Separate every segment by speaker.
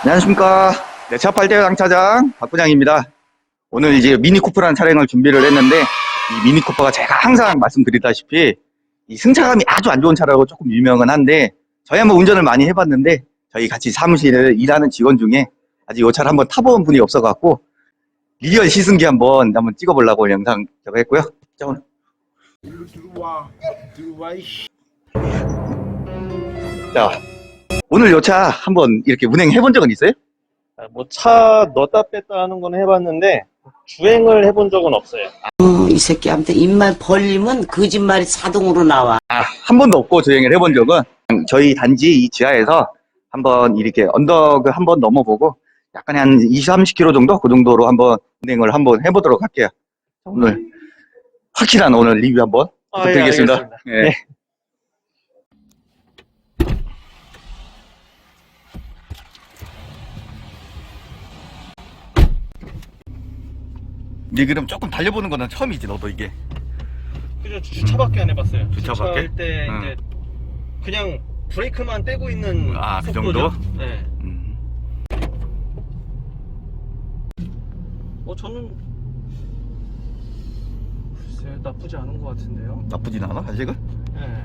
Speaker 1: 안녕하십니까. 네, 차팔대 장차장 박부장입니다. 오늘 이제 미니쿠퍼라는 차량을 준비를 했는데, 이 미니쿠퍼가 제가 항상 말씀드리다시피 이 승차감이 아주 안 좋은 차라고 조금 유명은 한데, 저희 한번 운전을 많이 해봤는데, 저희 같이 사무실에 일하는 직원 중에 아직 이 차를 한번 타본 분이 없어갖고 리얼 시승기 한번 찍어보려고 영상 저거 했고요. 자, 오늘
Speaker 2: 들어와 이씨.
Speaker 1: 자, 오늘 이 차 한번 이렇게 운행해 본 적은 있어요?
Speaker 2: 뭐 차 넣었다 뺐다 하는 건 해봤는데 주행을 해본 적은 없어요.
Speaker 3: 이 새끼한테 입만 벌리면 거짓말이 자동으로 나와.
Speaker 1: 한 번도 없고 주행을 해본 적은 저희 단지 이 지하에서 한번 이렇게 언덕을 한번 넘어보고 약간 한 20, 30km 정도? 그 정도로 한번 운행을 한번 해보도록 할게요. 오늘 확실한 오늘 리뷰 한번 부탁드리겠습니다.
Speaker 2: 알겠습니다.
Speaker 1: 예.
Speaker 2: 네.
Speaker 1: 네, 그럼 조금 달려보는 거는 처음이지, 너도 이게.
Speaker 2: 그죠, 주차밖에 안 해봤어요.
Speaker 1: 주차밖에?
Speaker 2: 주차할 때
Speaker 1: 응.
Speaker 2: 이제 그냥 브레이크만 떼고 있는
Speaker 1: 그
Speaker 2: 속도죠.
Speaker 1: 정도?
Speaker 2: 네. 저는 글쎄 나쁘지 않은 것 같은데요.
Speaker 1: 나쁘진 않아, 아직은?
Speaker 2: 네.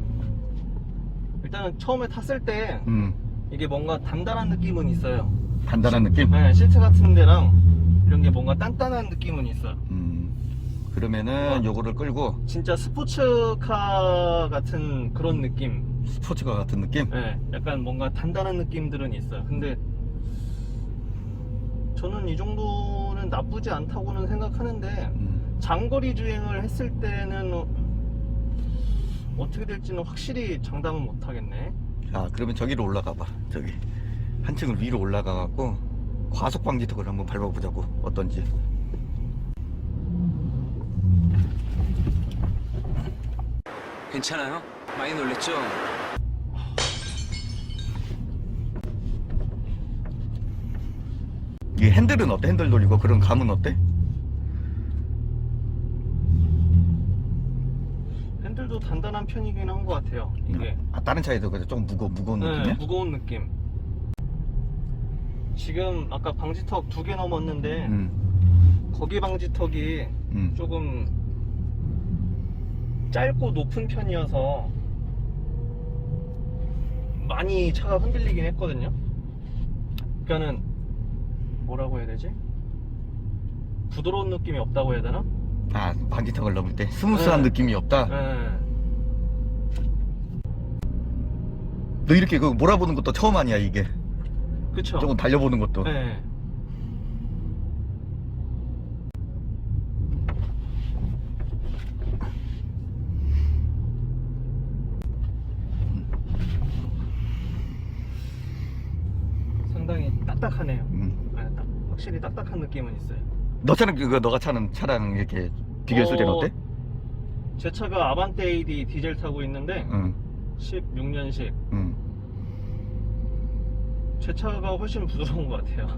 Speaker 2: 일단은 처음에 탔을 때 이게 뭔가 단단한 느낌은 있어요.
Speaker 1: 단단한 느낌?
Speaker 2: 네, 시트 같은 데랑 이런 게 뭔가 단단한 느낌은 있어요.
Speaker 1: 그러면은 요거를 끌고
Speaker 2: 진짜 스포츠카 같은 그런 느낌.
Speaker 1: 스포츠카 같은 느낌?
Speaker 2: 네, 약간 뭔가 단단한 느낌들은 있어요. 근데 저는 이 정도는 나쁘지 않다고는 생각하는데 장거리 주행을 했을 때는 어떻게 될지는 확실히 장담은 못 하겠네.
Speaker 1: 자, 그러면 저기로 올라가 봐. 저기 한층을 위로 올라가 갖고 과속 방지턱을 한번 밟아보자고. 어떤지.
Speaker 4: 괜찮아요? 많이 놀랬죠?
Speaker 1: 이 핸들은 어때? 핸들 돌리고 그런 감은 어때?
Speaker 2: 핸들도 단단한 편이긴 한 것 같아요. 이게
Speaker 1: 다른 차에도 그래 좀 무거운
Speaker 2: 네,
Speaker 1: 느낌이야?
Speaker 2: 무거운 느낌. 지금 아까 방지턱 2개 넘었는데 거기 방지턱이 조금 짧고 높은 편이어서 많이 차가 흔들리긴 했거든요. 그러니까는 뭐라고 해야 되지? 부드러운 느낌이 없다고 해야 되나?
Speaker 1: 방지턱을 넘을 때 스무스한
Speaker 2: 네.
Speaker 1: 느낌이 없다?
Speaker 2: 네.
Speaker 1: 너 이렇게 그 몰아보는 것도 처음 아니야, 이게?
Speaker 2: 그쵸?
Speaker 1: 조금 달려보는 것도.
Speaker 2: 네. 상당히 딱딱하네요. 네, 확실히 딱딱한 느낌은 있어요.
Speaker 1: 너 차는 너가 차는 차랑 이렇게 비교했을 때는 어때?
Speaker 2: 제 차가 아반떼 AD 디젤 타고 있는데 16년식 제 차가 훨씬 부드러운 것 같아요.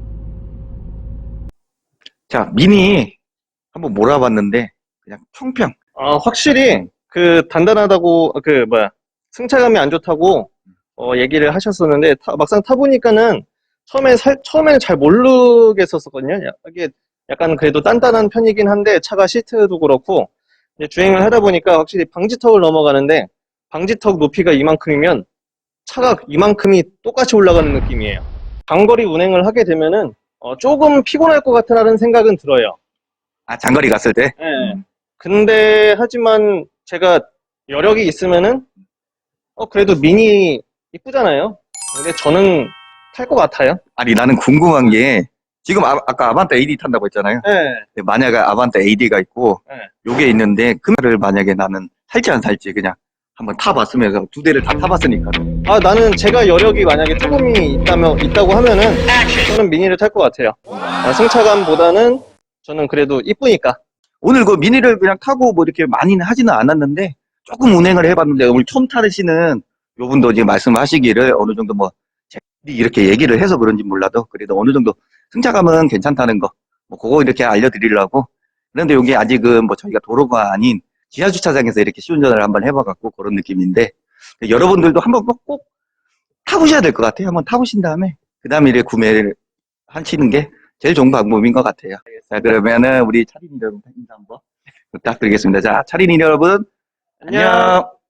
Speaker 1: 자, 미니 한번 몰아봤는데 그냥 평평.
Speaker 2: 확실히 그 단단하다고 승차감이 안 좋다고 얘기를 하셨었는데 막상 타보니까는 처음에는 잘 모르겠었거든요. 이게 약간 그래도 단단한 편이긴 한데 차가 시트도 그렇고 이제 주행을 하다 보니까 확실히 방지턱을 넘어가는데 방지턱 높이가 이만큼이면 차가 이만큼이 똑같이 올라가는 느낌이에요. 장거리 운행을 하게 되면은 조금 피곤할 것 같다는 생각은 들어요.
Speaker 1: 장거리 갔을 때?
Speaker 2: 네. 근데 하지만 제가 여력이 있으면은 그래도 미니 이쁘잖아요. 근데 저는 탈 것 같아요.
Speaker 1: 아니, 나는 궁금한 게 지금 아까 아반떼 AD 탄다고 했잖아요.
Speaker 2: 네.
Speaker 1: 만약에 아반떼 AD가 있고
Speaker 2: 네.
Speaker 1: 요게 있는데 그 말을 만약에 나는 살지 안 살지 그냥 한번 타봤으면서 두 대를 다 타봤으니까.
Speaker 2: 나는 제가 여력이 만약에 조금이 있다고 하면은 저는 미니를 탈 것 같아요. 승차감보다는 저는 그래도 이쁘니까.
Speaker 1: 오늘 그 미니를 그냥 타고 뭐 이렇게 많이는 하지는 않았는데 조금 운행을 해봤는데 오늘 처음 타시는 요분도 지금 말씀하시기를 어느 정도 뭐 이렇게 얘기를 해서 그런지 몰라도 그래도 어느 정도 승차감은 괜찮다는 거 뭐 그거 이렇게 알려드리려고. 그런데 여기 아직은 뭐 저희가 도로가 아닌 지하주차장에서 이렇게 시운전을 한번 해봐갖고 그런 느낌인데 여러분들도 한번 꼭 타보셔야 될 것 같아요. 한번 타보신 다음에 그 다음에 이제 구매를 하시는 게 제일 좋은 방법인 것 같아요. 자, 그러면은 우리 차린이 여러분 인사 한번 부탁드리겠습니다. 자, 차린이 여러분, 안녕!